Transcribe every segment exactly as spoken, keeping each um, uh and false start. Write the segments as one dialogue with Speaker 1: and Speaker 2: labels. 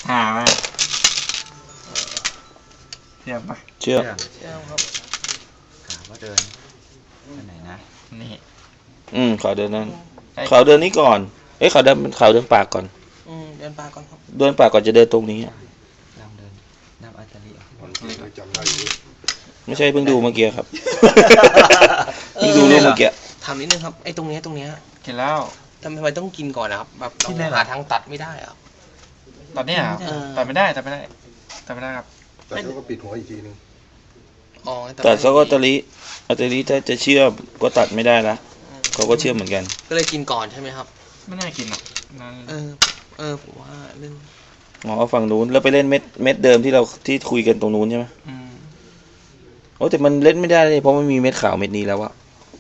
Speaker 1: หาไหมเชื่อปะ
Speaker 2: เชื่อ
Speaker 3: เชื่อครับถามว่าเดินไปไหนนะนี่
Speaker 2: อืมขอเดินนั้นขอเดินนี้ก่อนเอ้ยขอเดินขอเดินป่าก่อน
Speaker 4: อืมเดินป่าก่อนครับ
Speaker 2: เดินป่าก่อนจะเดินตรงนี้อะ
Speaker 3: ดำเดินดำอัจฉริยะ
Speaker 2: ไม่ใช่เพิ่งดูเมื่อกี้ครับเพิ่งดูรูปเมื่อกี้
Speaker 4: ถามนิดนึงครับไอ้ตรงเนี้ยตรงเนี้ย
Speaker 1: กินแล้ว
Speaker 4: ทำไมต้องกินก่อนนะครับแบบเราหาทางตัดไม่ได้อะครับ
Speaker 1: ตอนนี้อ่ะ
Speaker 4: เออ
Speaker 1: ตัดไม่ได้ตัดไม่ได้ตัดไม่ได้ครับ
Speaker 5: แต่เขาก็ปิดหัวอีกทีนึง
Speaker 4: อ๋อ
Speaker 2: ตัดซะก็ตะลิอัตลิถ้าจะเชื่อมก็ตัดไม่ได้ละเขาก็เชื่อมเหมือนกัน
Speaker 4: ก็เลยกินก่อนใช่ไหมครับ
Speaker 1: ไม่น่ากินหรอกนั่น
Speaker 4: เออเออผมว่าเรื่อง
Speaker 2: อ๋อฝั่งนู้นแล้วไปเล่นเม็ดเม็ดเดิมที่เราที่คุยกันตรงนู้นใช่ไหม
Speaker 1: อืม
Speaker 2: โอ้แต่มันเล่นไม่ได้เลยเพราะมันมีเม็ดขาวเม็ดนี้แล้วอะ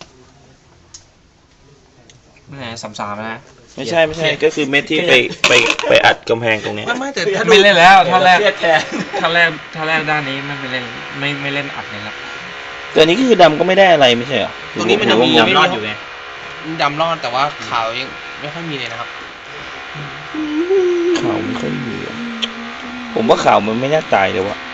Speaker 1: ไม่ไหนสามสามนะ
Speaker 2: ไม่ใช่ไม่ใช่ก็คือเม็ดที่ไปไปไปอัดกำแพงตรงเนี้ย
Speaker 4: ไม่ไม่แต่ถ้าดู
Speaker 1: ไม่เล่นแล้วท่อนแรก
Speaker 3: เครียดแทน
Speaker 1: ท่อนแรกท่อนแรกด้านนี้ไม่ไปเล่นไม่ไม่เล่นอัดเลยละ
Speaker 2: แต่อันนี้ก็คือดำก็ไม่ได้อะไรไม่ใช่เหรอ
Speaker 4: ตรงนี้มันยังมี
Speaker 2: หรือว่า
Speaker 4: ไม่
Speaker 2: งง
Speaker 4: รอดอยู่ไงดำรอดแต่ว่าขาวยังไม่ค่อยมีเลยนะครับ
Speaker 2: ขาวไม่ค่อยมีอะผมว่าขาวมันไม่น่าตายเลยวะ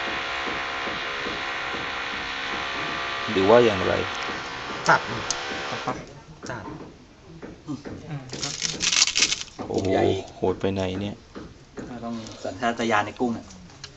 Speaker 2: หรือว่าอย่างไร
Speaker 3: จัด
Speaker 1: ตัดปะ
Speaker 3: จัด
Speaker 1: อืม
Speaker 2: โอ้โหโหดไปไหนเนี่ย
Speaker 3: ต้องสัญชาตญาณในกุ้งอ่ะ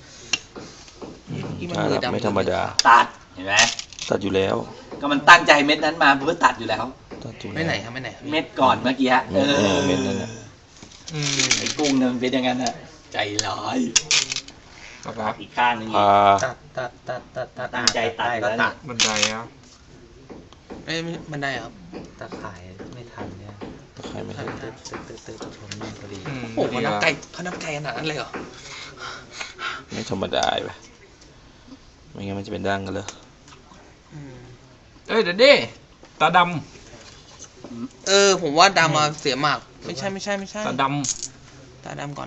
Speaker 4: ที่มัน
Speaker 2: ถ้า
Speaker 4: มือ
Speaker 2: แบบ
Speaker 4: ดำ
Speaker 2: ไม่ธรรมดา
Speaker 3: ตัดเห็นไหม
Speaker 2: ตัดอยู่แล้ว
Speaker 3: ก็มันตั้งใจเม็ดนั้นมาเพื่อตัดอยู่แล้ว
Speaker 2: ตัดอยู่แล้ว
Speaker 4: ไม่ไหนครับไม่ไหนครับ
Speaker 3: เม็ดก่อนเมื่อกี้ฮะ
Speaker 2: เออเออเม็ดนั่นน่ะ
Speaker 1: อืม
Speaker 3: ไอ้กุ้งเนี่ยมันเป็นอย่างนั้นฮะใจร้าย
Speaker 1: ตัดปะ
Speaker 3: อีกข้างนึง
Speaker 2: พา
Speaker 3: ตัดตัดตัดตัดตัดตั้งใจตัดแล้วตัด
Speaker 1: บันไดอ่ะ
Speaker 4: เอ้ยไม่มันได้ครับ
Speaker 3: ตัดขายไม่ทันเนี่ย
Speaker 2: ใครไม่ทัน
Speaker 3: ตึ๊ดตึ๊ดตึ๊ดตึ๊ดชนแม่งพอดี
Speaker 1: อืม
Speaker 4: โอ้โหเขา
Speaker 1: ดี
Speaker 4: นับ
Speaker 1: ว่ะ
Speaker 4: ไก่เขานับไก่ขนาดนั้นเลยเหรอ
Speaker 2: ไม่ธรรมดาไปไม่งั้นมันจะเป็นดังกันเลย
Speaker 4: อืม
Speaker 1: เอ้ยเดี๋ยวดิตาด
Speaker 4: เออผมว่าดำมาเสียหมากไม่ใช่ไม่ใช่ไม่ใช่
Speaker 1: ำตาด
Speaker 4: ตาดำก่อน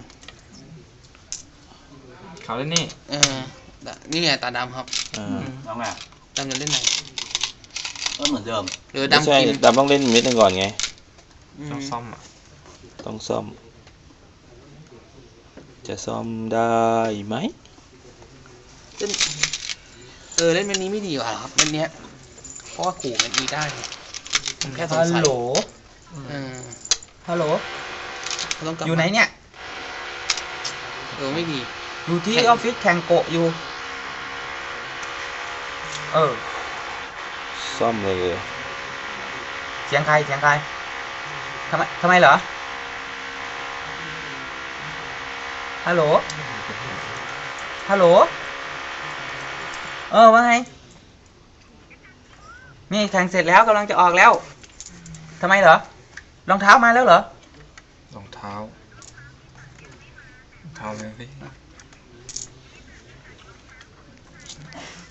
Speaker 1: ำเขาเล่นนี่
Speaker 4: เออนี่ไงตาดำครับ
Speaker 2: อ่า
Speaker 1: อืม
Speaker 3: น้องอ่ะ
Speaker 4: ดำจะเล่นไหน
Speaker 3: ก็เหมือนเดิม
Speaker 4: หรือ
Speaker 2: ไม่
Speaker 4: ดำ
Speaker 2: ใช่
Speaker 4: กิน
Speaker 2: ดำต้องเล่นเม็ดหนึงก่อนไง
Speaker 4: อืม
Speaker 1: ต้องซ่อมอ่ะ
Speaker 2: ต้องซ่อม จะซ่อมได้ไหม
Speaker 4: เล่นเออเล่นเม็ดนี้ไม่ดีกว่าเหรอครับเม็ดเนี้ยเพราะว่าขู่เม็ดนี้ได้ไงผมแค่สงสัยเออ
Speaker 3: ฮัลโหล
Speaker 4: เขาต้องกลับ
Speaker 3: อยู่ไหนเนี่ย
Speaker 4: เออไม่ดี
Speaker 3: อยู่ที่ออฟฟิศแข่งโกะอยู่ เออ
Speaker 2: ซ่อมเลย
Speaker 3: เสียงใคร เสียงใคร ทำไม ทำไมเหรอ ฮัลโหล ฮัลโหล เออว่าไง นี่แข่งเสร็จแล้วกำลังจะออกแล้ว ทำไมเหรอ รองเท้ามาแล้วเหรอ
Speaker 1: รองเท้ารองเท้าเลยสิ